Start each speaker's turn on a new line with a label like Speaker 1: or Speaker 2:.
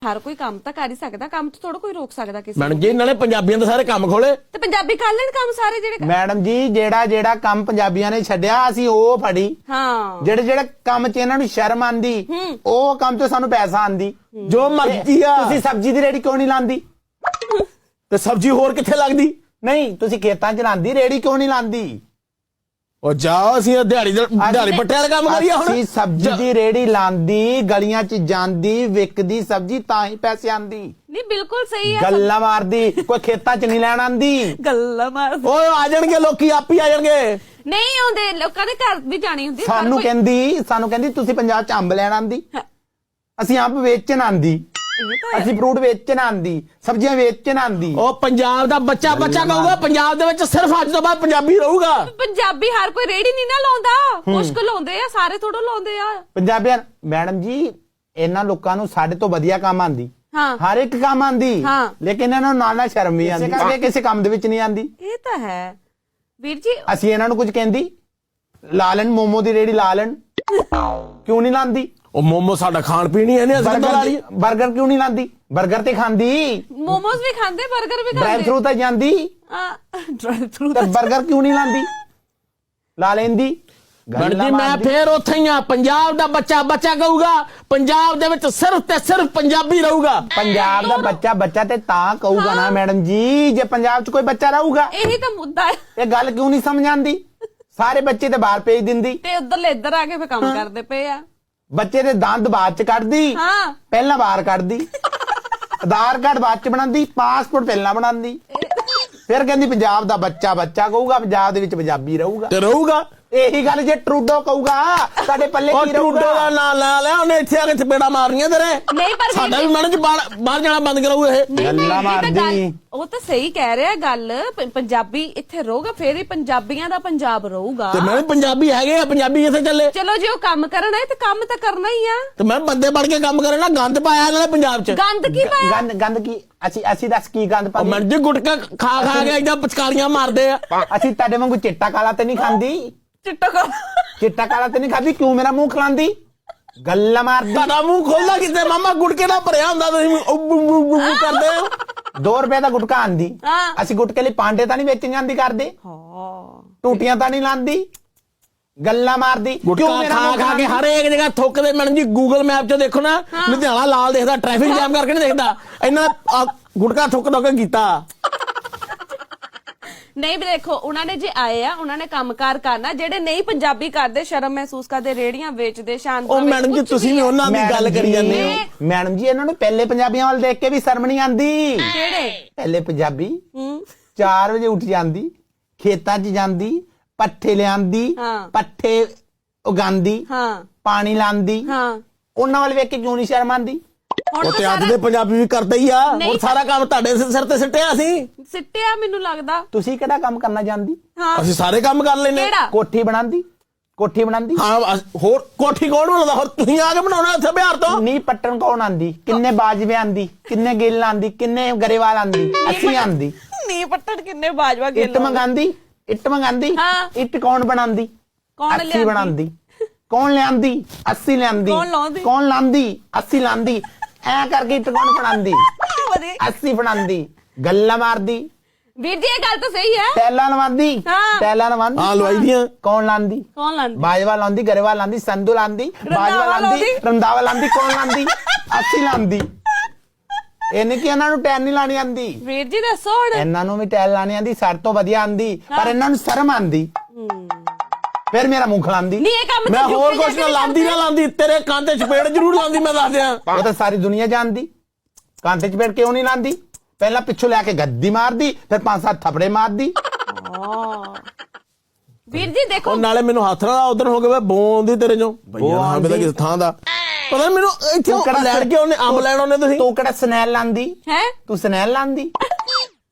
Speaker 1: ਹਰ ਕੋਈ ਕੰਮ ਤਾਂ ਕਰ ਹੀ ਸਕਦਾ, ਕੰਮ ਤੋਂ ਥੋੜਾ ਕੋਈ ਰੋਕ ਸਕਦਾ ਕਿਸੇ
Speaker 2: ਮੈਡਮ ਜੀ ਇਹਨਾਂ ਨੇ ਪੰਜਾਬੀਆਂ ਦੇ ਸਾਰੇ ਕੰਮ ਖੋਲੇ
Speaker 1: ਤੇ ਪੰਜਾਬੀ ਕਰ ਲੈਣ ਕੰਮ ਸਾਰੇ ਜਿਹੜੇ
Speaker 3: ਮੈਡਮ ਜੀ ਜਿਹੜਾ ਕੰਮ ਪੰਜਾਬੀਆਂ ਨੇ ਛੱਡਿਆ ਅਸੀਂ ਉਹ ਫੜੀ।
Speaker 1: ਹਾਂ
Speaker 3: ਜਿਹੜੇ ਕੰਮ 'ਚ ਇਹਨਾਂ ਨੂੰ ਸ਼ਰਮ ਆਂਦੀ ਉਹ ਕੰਮ 'ਚ ਸਾਨੂੰ ਪੈਸਾ ਆਂਦੀ।
Speaker 2: ਜੋ ਮਰਜ਼ੀ ਆ।
Speaker 3: ਤੁਸੀਂ ਸਬਜ਼ੀ ਦੀ ਰੇੜੀ ਕਿਉਂ ਨਹੀਂ ਲਾਂਦੀ?
Speaker 2: ਤੇ ਸਬਜ਼ੀ ਹੋਰ ਕਿੱਥੇ ਲੱਗਦੀ?
Speaker 3: ਨਹੀਂ ਤੁਸੀਂ ਖੇਤਾਂ 'ਚ ਲਾਂਦੀ, ਰੇੜੀ ਕਿਉਂ ਨਹੀਂ ਲਾਂਦੀ?
Speaker 2: ਉਹ ਜਾਓ ਅਸੀਂ ਦਿਹਾੜੀ ਪੱਟੇ ਵਾਲਾ ਕੰਮ ਕਰੀਏ ਹੁਣ।
Speaker 3: ਅਸੀਂ ਸਬਜ਼ੀ ਦੀ ਰੇੜੀ ਲਾਂਦੀ, ਗਲੀਆਂ 'ਚ ਜਾਂਦੀ, ਵਿਕਦੀ ਸਬਜ਼ੀ ਤਾਂ ਹੀ ਪੈਸੇ ਆਂਦੀ।
Speaker 1: ਨਹੀਂ ਬਿਲਕੁਲ ਸਹੀ ਹੈ।
Speaker 3: ਗੱਲਾਂ ਮਾਰਦੀ, ਕੋਈ ਖੇਤਾਂ 'ਚ ਨਹੀਂ ਲੈਣ ਆਂਦੀ।
Speaker 1: ਗੱਲਾਂ ਮਾਰ
Speaker 2: ਓਏ ਆ ਜਾਣਗੇ ਲੋਕੀ, ਆਪ ਹੀ ਆ ਜਾਣਗੇ।
Speaker 1: ਨਹੀਂ ਆਉਂਦੇ, ਲੋਕਾਂ ਦੇ ਘਰ ਵੀ ਜਾਣੀ ਹੁੰਦੀ।
Speaker 3: ਸਾਨੂੰ ਕਹਿੰਦੀ ਤੁਸੀਂ ਪੰਜਾਬ 'ਚ ਅੰਬ ਲੈਣ ਆਂਦੀ, ਅਸੀਂ ਅੰਬ ਵੇਚਣ ਆਂਦੀ, ਅਸੀਂ ਫਰੂਟ ਵੇਚਣ ਆਂਦੀ, ਸਬਜ਼ੀਆਂ ਵੇਚਣ ਆਂਦੀ।
Speaker 2: ਉਹ ਪੰਜਾਬ ਦਾ ਬੱਚਾ ਕਹੂਗਾ ਪੰਜਾਬ ਦੇ ਵਿੱਚ ਸਿਰਫ ਅੱਜ ਤੋਂ ਬਾਅਦ ਪੰਜਾਬੀ ਰਹੂਗਾ।
Speaker 1: ਪੰਜਾਬੀ ਹਰ ਕੋਈ ਰੇੜੀ ਨਹੀਂ ਨਾ ਲਾਉਂਦਾ, ਮੁਸ਼ਕਲ ਲਾਉਂਦੇ ਆ, ਸਾਰੇ ਥੋੜਾ ਲਾਉਂਦੇ ਆ
Speaker 3: ਪੰਜਾਬੀਆਂ। ਮੈਡਮ ਜੀ ਇਹਨਾਂ ਲੋਕਾਂ ਨੂੰ ਸਾਡੇ ਤੋਂ ਵਧੀਆ ਕੰਮ ਆਂਦੀ, ਹਰ ਇੱਕ ਕੰਮ ਆਂਦੀ, ਲੇਕਿਨ ਇਹਨਾਂ ਨੂੰ ਨਾਲ ਸ਼ਰਮ ਵੀ ਆਂਦੀ ਕਰਕੇ ਕਿਸੇ ਕੰਮ ਦੇ ਵਿੱਚ ਨਹੀਂ ਆਂਦੀ।
Speaker 1: ਇਹ ਤਾਂ ਹੈ ਵੀਰ ਜੀ।
Speaker 3: ਅਸੀਂ ਇਹਨਾਂ ਨੂੰ ਕੁਝ ਕਹਿੰਦੀ, ਲਾ ਲੈਣ ਮੋਮੋ ਦੀ ਰੇੜੀ ਲਾ ਲੈਣ, ਕਿਉਂ ਨਹੀਂ ਲਾਂਦੀ?
Speaker 2: ਉਹ ਮੋਮੋ ਸਾਡਾ ਖਾਣ ਪੀਣ ਹੀ ਇਹਨੇ ਅਸੀਂ ਲਾ ਲਈ।
Speaker 3: ਬਰਗਰ ਕਿਉਂ ਨਹੀਂ ਲਾਂਦੀ? ਬਰਗਰ ਤੇ ਖਾਂਦੀ,
Speaker 1: ਮੋਮੋਸ ਵੀ ਖਾਂਦੇ, ਬਰਗਰ ਵੀ ਖਾਂਦੇ,
Speaker 3: ਡਰਾਈਵ ਥਰੂ ਤਾਂ ਜਾਂਦੀ,
Speaker 1: ਡਰਾਈਵ ਥਰੂ
Speaker 3: ਤੇ ਬਰਗਰ ਕਿਉਂ ਨਹੀਂ ਲਾਂਦੀ? ਲਾ ਲੈਂਦੀ।
Speaker 2: ਗੜਦੀ ਮੈਂ ਫੇਰ ਉੱਥੇ ਹੀ ਆ। ਪੰਜਾਬ ਦਾ ਬੱਚਾ ਕਹੂਗਾ ਪੰਜਾਬ ਦੇ ਵਿੱਚ ਸਿਰਫ ਤੇ ਸਿਰਫ ਪੰਜਾਬੀ ਰਹੂਗਾ।
Speaker 3: ਪੰਜਾਬ ਦਾ ਬੱਚਾ ਤੇ ਤਾਂ ਕਹੂਗਾ ਨਾ ਮੈਡਮ ਜੀ, ਜੇ ਪੰਜਾਬ 'ਚ ਕੋਈ ਬੱਚਾ ਰਹੂਗਾ।
Speaker 1: ਇਹੀ ਤਾਂ ਮੁੱਦਾ ਹੈ।
Speaker 3: ਇਹ ਗੱਲ ਕਿਉਂ ਨਹੀਂ ਸਮਝ ਆਂਦੀ? ਸਾਰੇ ਬੱਚੇ ਤੇ ਬਾਹਰ ਭੇਜ ਦਿੰਦੀ
Speaker 1: ਤੇ ਉਧਰਲੇ ਇੱਧਰ ਆ ਕੇ ਫੇ ਕੰਮ ਕਰਦੇ ਪਏ ਆ।
Speaker 3: ਬੱਚੇ ਦੇ ਦੰਦ ਬਾਅਦ 'ਚ ਕੱਢਦੀ, ਪਹਿਲਾਂ ਬਾਹਰ ਕੱਢਦੀ, ਆਧਾਰ ਕਾਰਡ ਬਾਅਦ 'ਚ ਬਣਾਉਂਦੀ, ਪਾਸਪੋਰਟ ਪਹਿਲਾਂ ਬਣਾਉਂਦੀ, ਫਿਰ ਕਹਿੰਦੀ ਪੰਜਾਬ ਦਾ ਬੱਚਾ ਕਹੂਗਾ ਪੰਜਾਬ ਦੇ ਵਿੱਚ ਪੰਜਾਬੀ ਰਹੂਗਾ
Speaker 2: ਤੇ ਰਹੂਗਾ।
Speaker 3: ਇਹੀ ਗੱਲ ਜੇ ਟਰੂਡੋ ਕਹੂਗਾ ਸਾਡੇ ਪੱਲੇ ਕੀ ਰਹੂਗਾ?
Speaker 2: ਟਰੂਡੋ ਦਾ ਨਾਂ ਲਾ ਲਿਆ ਉਹਨੇ, ਇੱਥੇ ਆ ਕੇ ਚਪੇੜਾ ਮਾਰਨੀਆਂ ਤੇਰੇ।
Speaker 1: ਨਹੀਂ ਪਰ
Speaker 2: ਸਾਡਾ ਵੀ ਮੈਡਮ ਜੀ ਬਾਹਰ ਜਾਣਾ ਬੰਦ ਕਰਾਊ ਇਹ।
Speaker 3: ਗੱਲਾਂ ਮਾਰਦੀ।
Speaker 1: ਉਹ ਤਾਂ ਸਹੀ ਕਹਿ ਰਿਹਾ ਗੱਲ, ਪੰਜਾਬੀ ਇੱਥੇ ਰਹੂਗਾ ਫੇਰ ਹੀ ਪੰਜਾਬੀਆਂ ਦਾ ਪੰਜਾਬ ਰਹੂਗਾ।
Speaker 2: ਤੇ ਮੈਂ ਪੰਜਾਬੀ ਹੈਗੇ ਆ, ਪੰਜਾਬੀ ਇੱਥੇ ਚੱਲੇ।
Speaker 1: ਚਲੋ ਜੇ ਉਹ ਕੰਮ ਕਰਨਾ ਹੈ ਤੇ ਕੰਮ ਤਾਂ ਕਰਨਾ ਹੀ ਆ।
Speaker 2: ਤੇ ਮੈਂ ਬੰਦੇ ਬਣ ਕੇ ਕੰਮ ਕਰਨਾ। ਗੰਦ ਪਾਇਆ ਇਹਨਾਂ ਨੇ ਪੰਜਾਬ 'ਚ।
Speaker 1: ਗੰਦ ਕੀ ਪਾਇਆ?
Speaker 3: ਗੰਦ ਕੀ? ਅਸੀਂ ਦੱਸ ਕੀ ਗੰਦ
Speaker 2: ਉਹ
Speaker 3: ਪਾਉਂਦੇ?
Speaker 2: ਮੈਡਮ ਜੀ ਗੁਟਕਾ ਖਾ ਕੇ ਏਦਾਂ ਪਚਕਾਰੀਆਂ ਮਾਰਦੇ ਆ।
Speaker 3: ਅਸੀਂ ਤੁਹਾਡੇ ਵਾਂਗੂ ਚਿੱਟਾ ਕਾਲਾ ਤੇ ਨਹੀਂ ਖਾਂਦੀ। ਚਿੱਟਾ ਕਾਲਾ ਤੇ ਨਹੀਂ ਖਾਂਦੀ, ਕਿਉਂ ਮੇਰਾ ਮੂੰਹ ਖਲਾਂਦੀ? ਗੱਲਾਂ ਮਾਰਦੀ।
Speaker 2: ਤੁਹਾਡਾ ਮੂੰਹ ਖੋਲਦਾ ਕਿਤੇ ਮਾਮਾ, ਗੁਟਕੇ ਨਾਲ ਭਰਿਆ ਹੁੰਦਾ, ਤੁਸੀਂ ਕਰਦੇ ਹੋ। 2
Speaker 3: ਰੁਪਏ ਦਾ ਗੁਟਕਾ ਆਂਦੀ, ਅਸੀਂ ਗੁਟਕੇ ਲਈ ਪਾਂਡੇ ਤਾਂ ਨਹੀਂ ਵੇਚਣ ਜਾਂਦੀ ਕਰਦੇ, ਟੂਟੀਆਂ ਤਾਂ ਨਹੀਂ ਲਾਂਦੀ। ਗੱਲਾਂ ਮਾਰਦੀ।
Speaker 2: ਗੁਟਕਾ ਖਾ ਕੇ ਹਰੇਕ ਜਗ੍ਹਾ ਥੁੱਕਦੇ। ਮੈਡਮ ਜੀ ਗੂਗਲ ਮੈਪ 'ਚ ਦੇਖੋ ਨਾ, ਲੁਧਿਆਣਾ ਲਾਲ ਦੇਖਦਾ, ਟ੍ਰੈਫਿਕ ਜਾਮ ਕਰਕੇ ਨਹੀਂ ਦੇਖਦਾ। ਇਹਨਾਂ ਗੁਟਕਾ ਥੁੱਕ ਕੇ ਕੀਤਾ।
Speaker 1: ਨਹੀਂ ਵੀ ਦੇਖੋ, ਉਹਨਾਂ ਨੇ ਜੇ ਆਏ ਆ, ਉਹਨਾਂ ਨੇ ਕੰਮਕਾਰ ਕਰਨਾ। ਜਿਹੜੇ ਨਹੀਂ ਪੰਜਾਬੀ ਕਰਦੇ, ਸ਼ਰਮ ਮਹਿਸੂਸ ਕਰਦੇ, ਰੇੜੀਆਂ ਵੇਚਦੇ, ਸ਼ਾਂਤ।
Speaker 2: ਉਹ ਮੈਡਮ ਜੀ ਤੁਸੀਂ ਵੀ ਉਹਨਾਂ ਦੀ ਗੱਲ ਕਰੀ ਜਾਂਦੇ ਹੋ।
Speaker 3: ਮੈਡਮ ਜੀ ਇਹਨਾਂ ਨੂੰ ਪਹਿਲੇ ਪੰਜਾਬੀਆਂ ਵੱਲ ਦੇਖ ਕੇ ਵੀ ਸ਼ਰਮ ਨਹੀਂ ਆਂਦੀ।
Speaker 1: ਕਿਹੜੇ
Speaker 3: ਪਹਿਲੇ ਪੰਜਾਬੀ 4 ਵਜੇ ਉੱਠ ਜਾਂਦੀ, ਖੇਤਾਂ 'ਚ ਜਾਂਦੀ, ਪੱਠੇ ਲਿਆਂਦੀ, ਪੱਠੇ ਉਗਾਂਦੀ, ਪਾਣੀ ਲਾਂਦੀ। ਉਹਨਾਂ ਵੱਲ ਵੇਖ ਕੇ ਕਿਉਂ ਨਹੀਂ ਸ਼ਰਮ ਆਂਦੀ?
Speaker 2: ਉਹ ਤੇ ਅੱਜ ਦੇ ਪੰਜਾਬੀ ਵੀ ਕਰਦੇ ਹੀ ਆ। ਹੋਰ ਸਾਰਾ ਕੰਮ ਤੁਹਾਡੇ ਸਿਰ ਤੇ ਸਿੱਟਿਆ ਅਸੀਂ।
Speaker 1: ਸਿੱਟਿਆ ਮੈਨੂੰ ਲੱਗਦਾ।
Speaker 3: ਤੁਸੀਂ ਕਿਹੜਾ ਕੰਮ ਕਰਨਾ ਜਾਣਦੀ?
Speaker 2: ਅਸੀਂ ਸਾਰੇ ਕੰਮ ਕਰ ਲੈਨੇ।
Speaker 3: ਕੋਠੀ ਬਣਾਉਂਦੀ
Speaker 2: ਹਾਂ। ਹੋਰ ਕੋਠੀ ਕੌਣ ਬਣਾਉਂਦਾ? ਹੋਰ ਤੁਸੀਂ ਆ ਕੇ ਬਣਾਉਣਾ ਇੱਥੇ ਬਿਹਾਰ ਤੋਂ।
Speaker 3: ਨੀ ਪੱਟਣ ਕੌਣ ਆਂਦੀ? ਕਿੰਨੇ ਬਾਜਵੇ ਆਂਦੀ, ਕਿੰਨੇ ਗਿੱਲ ਆਂਦੀ, ਕਿੰਨੇ ਗਰੇਵਾਲ ਆਂਦੀ? ਅਸੀਂ ਆਂਦੀ।
Speaker 1: ਨੀ ਪੱਟਣ ਕਿੰਨੇ ਬਾਜਵਾ ਗਿੱਲ।
Speaker 3: ਇੱਟ ਮੰਗਾਂਦੀ, ਇੱਟ ਕੌਣ ਬਣਾਉਂਦੀ? ਅਸੀਂ ਬਣਾਉਂਦੀ। ਕੌਣ ਲਿਆਂਦੀ? ਅਸੀਂ ਲਿਆਂਦੀ। ਕੌਣ ਲਾਂਦੀ? ਅਸੀਂ ਲਾਂਦੀ। ਐ ਕਰਕੇ ਇੱਟ ਕੌਣ ਬਣਾਉਂਦੀ? ਅਸੀਂ ਬਣਾਉਂਦੀ। ਗੱਲਾਂ ਮਾਰਦੀ।
Speaker 1: ਵੀਰ ਜੀ ਇਹ ਗੱਲ ਤਾਂ ਸਹੀ ਹੈ।
Speaker 3: ਟੈਲਾਂ ਲਵਾਂਦੀ।
Speaker 2: ਹਾਂ ਲਵਾਈ ਦੀਆਂ।
Speaker 3: ਕੌਣ ਲਾਂਦੀ? ਬਾਜਵਾ ਲਾਂਦੀ, ਗਰੇਵਾਲ ਲਾਂਦੀ, ਸੰਧੂ ਲਾਂਦੀ, ਬਾਜਵਾ ਲਾਂਦੀ, ਰੰਦਾਵਾ ਲਾਂਦੀ। ਕੌਣ ਲਾਂਦੀ? ਅਸੀਂ ਲਾਂਦੀ। ਇਹਨੇ ਕਿ ਇਹਨਾਂ ਨੂੰ ਟੈਲ ਨਹੀਂ ਲਾਣੀ ਆਂਦੀ।
Speaker 1: ਵੀਰ ਜੀ ਦੱਸੋ ਹੁਣ।
Speaker 3: ਇਹਨਾਂ ਨੂੰ ਵੀ ਟੈਲ ਲਾਣੀ ਆਂਦੀ, ਸਾਡੇ ਤੋਂ ਵਧੀਆ ਆਂਦੀ, ਪਰ ਇਹਨਾਂ ਨੂੰ ਸ਼ਰਮ ਆਂਦੀ। ਫਿਰ ਮੇਰਾ ਮੂੰਹ ਖਲਾਂਦੀ।
Speaker 2: ਮੈਂ ਹੋਰ ਕੁਛ ਨਾ ਲਾਂਦੀ, ਤੇਰੇ ਕੰਨ ਤੇ ਚਪੇੜ ਜ਼ਰੂਰ ਲਾਂਦੀ। ਮੈਂ ਦੱਸ ਦਿਆਂ,
Speaker 3: ਉਹ ਤਾਂ ਸਾਰੀ ਦੁਨੀਆ ਜਾਣਦੀ। ਕੰਨ ਤੇ ਚਪੇੜ ਕਿਉਂ ਨਹੀਂ ਲਾਂਦੀ? ਪਹਿਲਾਂ ਪਿੱਛੋਂ ਲੈ ਕੇ ਗੱਦੀ ਮਾਰਦੀ, ਫਿਰ 5-7 ਥੱਪੜੇ ਮਾਰਦੀ।
Speaker 1: ਵੀਰ ਜੀ ਦੇਖੋ,
Speaker 2: ਨਾਲੇ ਮੈਨੂੰ ਹੱਥ ਨਾਲ ਉਧਰ ਹੋ ਗਿਆ ਬੋਂਦੀ ਤੇਰੇ ਚੋਂ ਭਈਆ ਨਾ ਕਿਸ ਥਾਂ ਦਾ ਪਤਾ। ਮੈਨੂੰ ਇੱਥੇ ਲੈਣ ਕੇ ਉਹਨੇ ਅੰਬ ਲੈਣ ਉਹਨੇ। ਤੁਸੀਂ
Speaker 3: ਤੂੰ ਕਿਹੜਾ ਸਨੈਲ ਲਾਂਦੀ
Speaker 1: ਹੈ?
Speaker 3: ਤੂੰ ਸਨੈਲ ਲਾਂਦੀ।